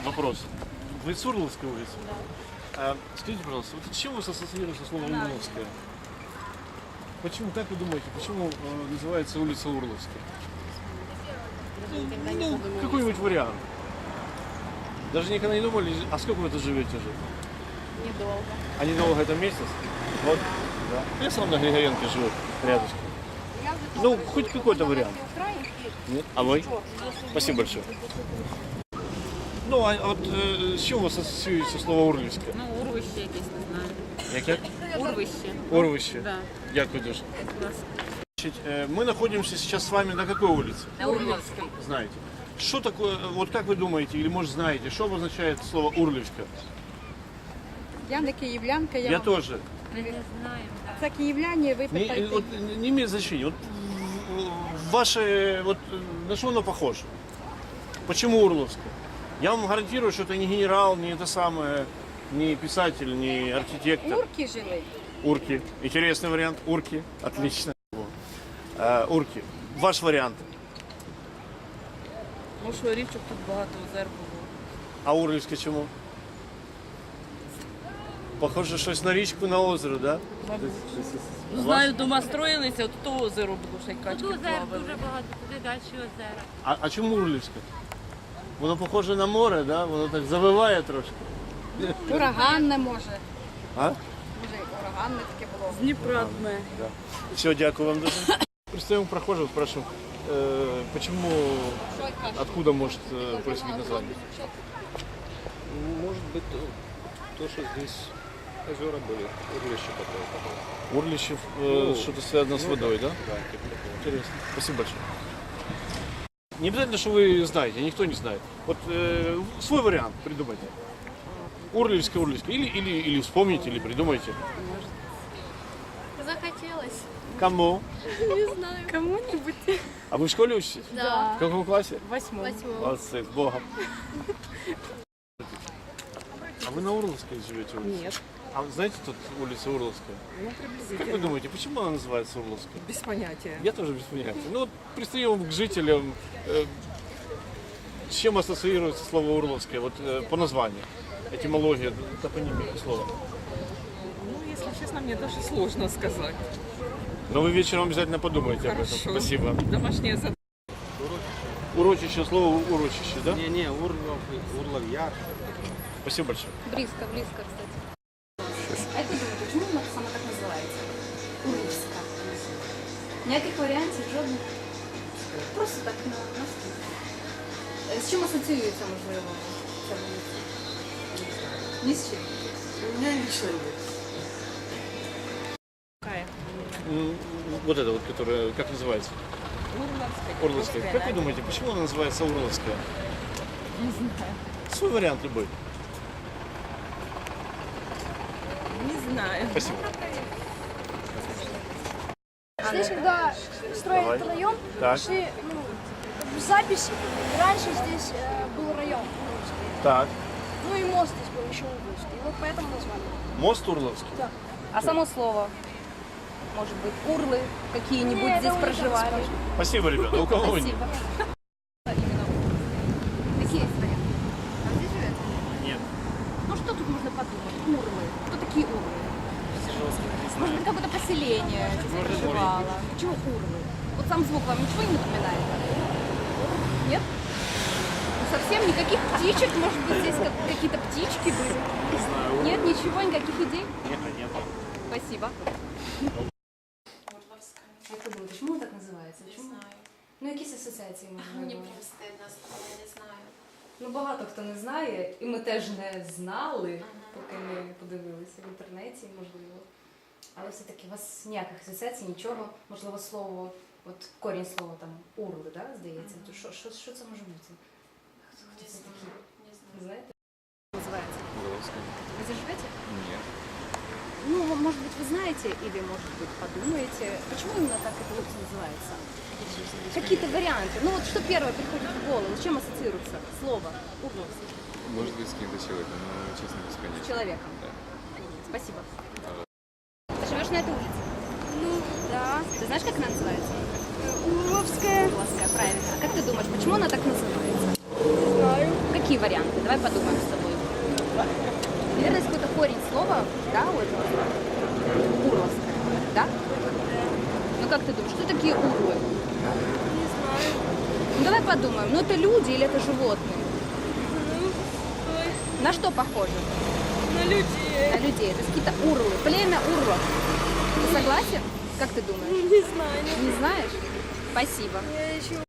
вопрос. Вы с Урловской улицы? Да. Скажите, пожалуйста, вот с чем вы ассоциируете слово Урловская? Почему, как вы думаете, почему называется улица Урловская? Ну, какой-нибудь вариант. Даже никогда не думали, а сколько вы тут живете уже? Недолго. А недолго это месяц? Вот. Да. Я сам на Григоренко живу, рядышком. Ну, хоть какой-то вариант. Нет? А вы? Спасибо большое. Ну, а вот з чим у вас асоціюється слово Урлівське? Ну, урвище якесь, не знаю. Яке? Урвище. Урвище? Да. Дякую дуже. Класс. Значит, мы находимся сейчас с вами на какой улице? На Урловской. Знаете. Что такое, вот как вы думаете, или может знаете, что обозначает слово Урлівська? Я не київлянка, Я тоже. Мы не знаем, да. Це київляні, ви Не, питаєте. вот, не имеет значения. Вот, ваше, вот, на что оно похоже? Почему Урловская? Я вам гарантирую, что это не генерал, не это самое, не писатель, не архитектор. Урки жили. Урки. Интересный вариант. Урки. Отлично. Урки. Ваш вариант. Ну що, річок тут багато, озер було. А Урлівське чому? Похоже, щось на річку, на озеро, да? Ну, знаю, дома строїлися, от то озеро було, ще й качки Тут озер плавали. дуже багато, туди далі озера. А чому Урлівське? Воно похоже на море, да? Воно так завиває трошки. Ураганне може. А? Може, ураганне таке було. З Дніпра дме. Все, дякую вам дуже. Представим прохожего, спрашиваем, почему, откуда может происходить название? Может быть, то, что здесь озера были, урлище такое. Урлище, что-то связано с водой, да? Да, типа такого. Интересно. Спасибо большое. Не обязательно, что вы знаете, никто не знает. Вот свой вариант придумайте. Урлевская. Или вспомните, или придумайте. Захотелось. Кому? Не знаю. Кому-нибудь. А вы в школе учитесь? Да. В каком классе? Восьмому. Молодцы, с Богом. А вы на Урловской живете? улице? Нет. А вы знаете тут улица Урловская? Ну, Как вы приблизительно. думаете, почему она называется Урловской? Без понятия. Я тоже без понятия. Ну вот пристаем к жителям. С чем ассоциируется слово Урловское? Вот по названию. Этимология, топонимия слова. Ну, если честно, мне даже сложно сказать. Но вы вечером обязательно подумайте об этом. Хорошо. Спасибо. Домашнее задание. Урочище, слово урочище, да? Не, Урлов Яр. Спасибо большое. Близко, кстати. А як ви думаєте, чому вона саме так називається? Урлівська. Ніяких варіантів, жодних. Просто так на слух. З чим асоціюється, можливо, ця вулиця? Ні з чим. У меня ничего нет. Вот это вот, которое, как называется? Урловская. Как вы думаете, почему она называется Урловская? Не знаю. Свой вариант любой. Не знаю. Спасибо. Здесь, когда строили Давай. этот район, Так. шли в запись. Раньше здесь был район. Так. Ну и мост здесь был еще Угловский. И вот поэтому назвали. Мост Урловский. А само слово? Может быть, урлы какие-нибудь Не, здесь это уже проживали? так Спасибо, ребята. У кого нет? Спасибо. Какие есть варианты? А где живете? Нет. Ну что тут можно подумать? Урлы. Кто такие урлы? Может быть, какое-то поселение здесь проживало. Почему урлы? Вот сам звук вам ничего не напоминает? Нет? Ну, совсем никаких птичек? Может быть, здесь какие-то птички были? Не знаю. Нет, ничего, никаких идей? Нет, нет. Спасибо. Як ви думаєте, чому так називається? Не Чому? знаю. Ну, якісь асоціації можливо? Мені прям стидно стало, не знаю. Ну, багато хто не знає, і ми теж не знали, поки ми подивилися в інтернеті, можливо. Але все-таки у вас ніяких асоціацій, нічого, можливо, слово, от корінь слова там урли, да, здається. То що це може бути? Хто це такі? Не знаю. Не знаєте? Називається. Урловская. Ви здесь живете? Нет. Ну, может быть, вы знаете, или, может быть, подумаете, почему именно так эта улица называется? Какие-то варианты. Ну, вот что первое приходит в голову, с чем ассоциируется слово Угловский? Может быть, с каким-то человеком, но, честно, без С понятия. человеком. Да. Спасибо. Ты живешь на этой улице? Ну, да. Ты знаешь, как она называется? Урловская. Угловская, правильно. А как ты думаешь, почему она так называется? Не знаю. Какие какие варианты? Давай подумаем с тобой. Наверное, есть какой-то корень слова, да, у этого слова? Урловское, да? Ну как ты думаешь, что такие урлы? Не знаю. Ну давай подумаем, ну это люди или это животные? Ну, ой, На что похожи? на людей. На людей. Это какие-то урлы. Племя урлов. Ты согласен? Как ты думаешь? Не знаю. Не знаешь? Спасибо. Я еще